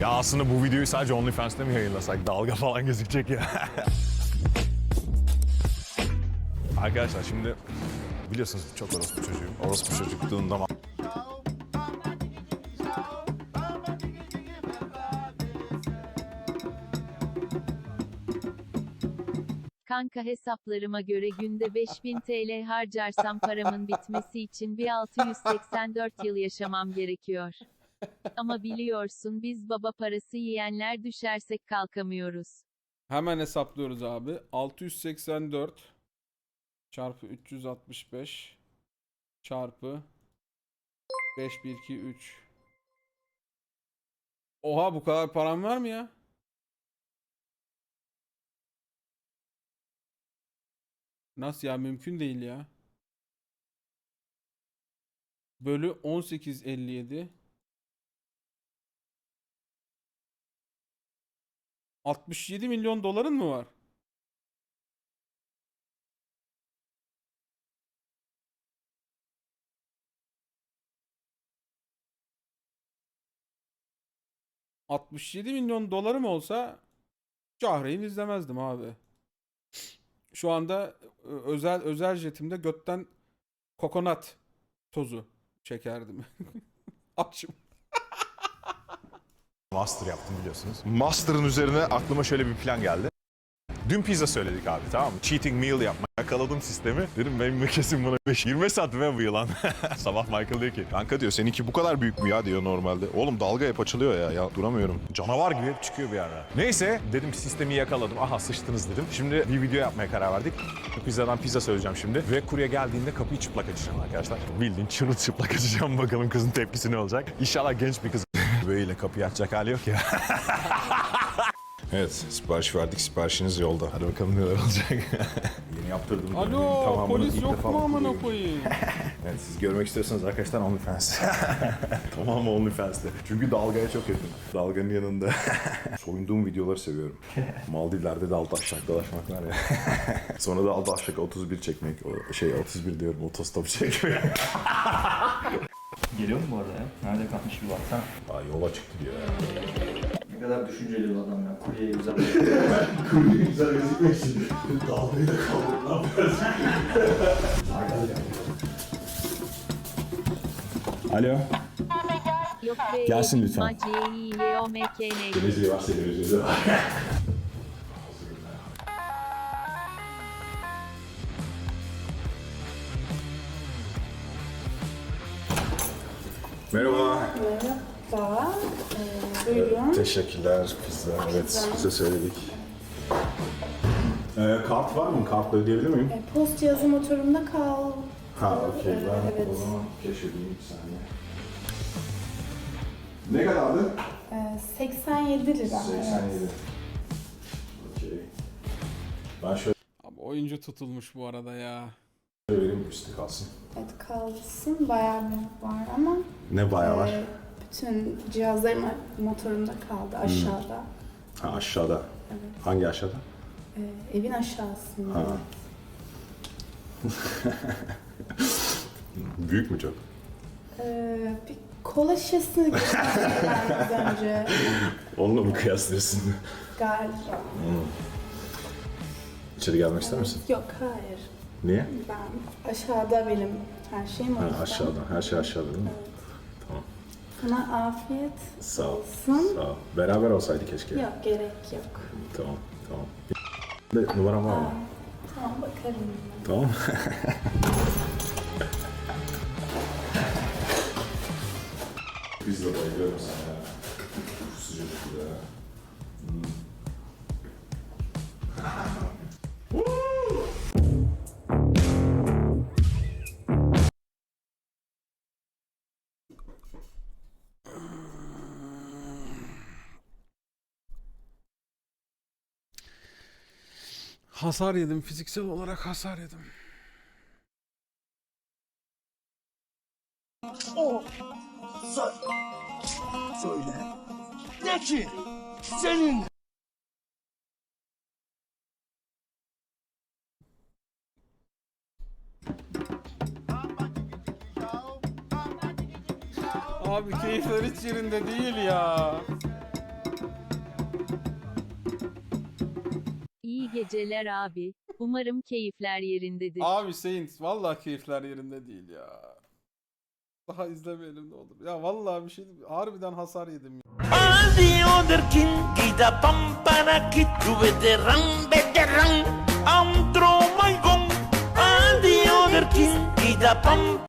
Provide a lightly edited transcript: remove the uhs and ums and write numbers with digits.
Ya aslında bu videoyu sadece OnlyFans'te mi yayınlasak? Dalga falan gözükecek ya. Arkadaşlar şimdi biliyorsunuz çok orospu çocuğum. Orospu çocukluğunda Kanka hesaplarıma göre günde 5000 TL harcarsam paramın bitmesi için bir 684 yıl yaşamam gerekiyor. Ama biliyorsun biz baba parası yiyenler düşersek kalkamıyoruz. Hemen hesaplıyoruz abi. 684 çarpı 365 çarpı 5 1 2 3. Oha, bu kadar param var mı ya? Nasıl ya, mümkün değil ya. Bölü 18,57. 67 milyon doların mı var? $67 milyon olsa Cahreyn izlemezdim abi. Şu anda özel jetimde götten kokonat tozu çekerdim. Açım. master yaptım biliyorsunuz. Master'ın üzerine aklıma şöyle bir plan geldi. Dün pizza söyledik abi, tamam mı? Cheating meal yapma. Yakaladım sistemi. Dedim benim kesin buna 20 santim ve bu yılan. Sabah Michael diyor ki, kanka diyor seninki bu kadar büyük mü ya diyor normalde. Oğlum dalga hep açılıyor ya duramıyorum. Canavar gibi hep çıkıyor bir ara. Neyse dedim sistemi yakaladım. Aha sıçtınız dedim. Şimdi bir video yapmaya karar verdik. Pizzadan pizza söyleyeceğim şimdi. Ve kurye geldiğinde kapıyı çıplak açacağım arkadaşlar. Bildiğin çırılçıplak açacağım, bakalım kızın tepkisi ne olacak. İnşallah genç bir kız böyle kapıyı açacak hali yok ya. Evet, sipariş verdik. Siparişiniz yolda. Hadi bakalım neler olacak. Yeni yaptırdım. Alo, polis yok mu amına koyayım? Evet, siz görmek istiyorsanız arkadaşlar OnlyFans. Tamam OnlyFans'te. Çünkü dalgaya çok yakın. Dalganın yanında. Soyunduğum videoları seviyorum. Maldivler'de de altı aşağı dolaşmak var ya. Sonra da altı aşağı 31 çekmek. 31 diyorum, otostop çekmek. Geliyor mu bu arada ya? Nerede kalmış bir baksana. Aa, yola çıktı diyor ya. Ne kadar düşünceli bir adam ya. Kuryeye güzel Kurye güzel gözükmek için dalgayı da kaldır. Ne yapıyorsun? Alo. Yok be, Gelsin lütfen. M-C-I-Y-O-M-K-N. Geleceği varsa geleceği var. Merhaba. Merhaba. Buyurun. Teşekkürler pizza. Evet, pizza söyledik. Kart var mı? Kartla ödeyebilir miyim? Post cihazı motorumda kal. Ha, okey. Ben Evet. o zaman keşfedeyim bir saniye. Ne kadardı? 87 lira. 87. Okey. Ben şöyle Abi oyuncu tutulmuş bu arada ya. vereyim, üstü kalsın. Evet kalsın. Bayağı büyük var ama Ne bayağı var? bütün cihazlarım motorumda kaldı aşağıda. Ha, aşağıda. Hangi aşağıda? Evin aşağısında. Ha. Büyük mü çok? Bir kola şişesini gösterdim ben az önce Onunla mı kıyaslıyorsun? galiba. İçeri gelmek ister misin? Yok hayır. Niye? Ben aşağıda benim her şeyim o Ha, yüzden. aşağıda. Her şey aşağıda değil mi? Tamam. Sana afiyet Sağ ol. olsun. Sağ ol. Beraber olsaydı keşke. Yok gerek yok. Tamam. Tamam. De, numaram var mı? Tamam bakarım. Tamam. Biz de bayılıyorum sana ya. Sıcacık ya. Hasar yedim. Fiziksel olarak hasar yedim. Söyle. De ki senin Abi keyifler hiç yerinde değil ya. İyi geceler abi. Umarım keyifler yerindedir. Abi Saint vallahi keyifler yerinde değil ya. Daha izlemeyelim ne olur. Ya vallahi bir şey harbiden hasar yedim ya. All the other king, kita pampana kid, tu veteran, veteran. I'm throw my gun. All the other king, kita pam.